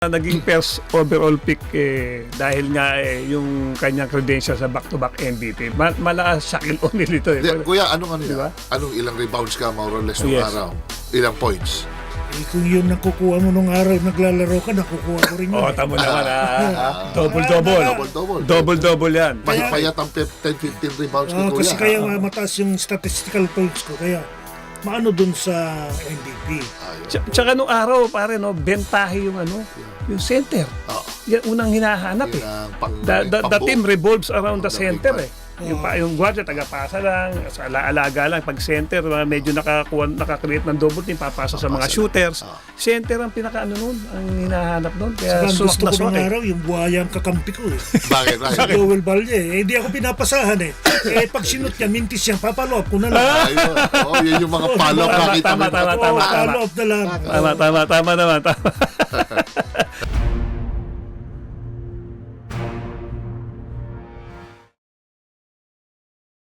Naging first overall pick dahil nga yung kanyang credentials sa back-to-back MVP. Malakas Shaquille O'Neal ito eh. Kuya, anong Diba? Anong ilang rebounds ka more or less nung Yes. araw? Ilang points? Kung yun nakukuha mo nung araw naglalaro ka, nakukuha ko rin yun. Tamo naman Double-double. Double-double. Double-double yan. Payat ang 10-15 rebounds ni Kuya. Kasi kaya mataas yung statistical points ko. Kaya maano dun sa MVP. Tsaka nung araw, pare, bentahe yung yung center. Yan unang hinahanap eh. The team revolves around the center eh. Yung guardia, tagapasa lang, sa alaga lang. Pag center, medyo nakakreate ng double team, papasa sa mga shooters. Center ang nun, ang hinahanap nun. Kaya Saka gusto ko ng eh. araw, yung buhaya ang kakampi ko eh. Bakit? Sa Joel Valle hindi ako pinapasahan eh. Pag sinut niya, mintis yan, papaloob ko na lang. Ayun. Yun yung mga follow-up nakita mo. Tama. Follow-up na lang. Tama naman. Tama.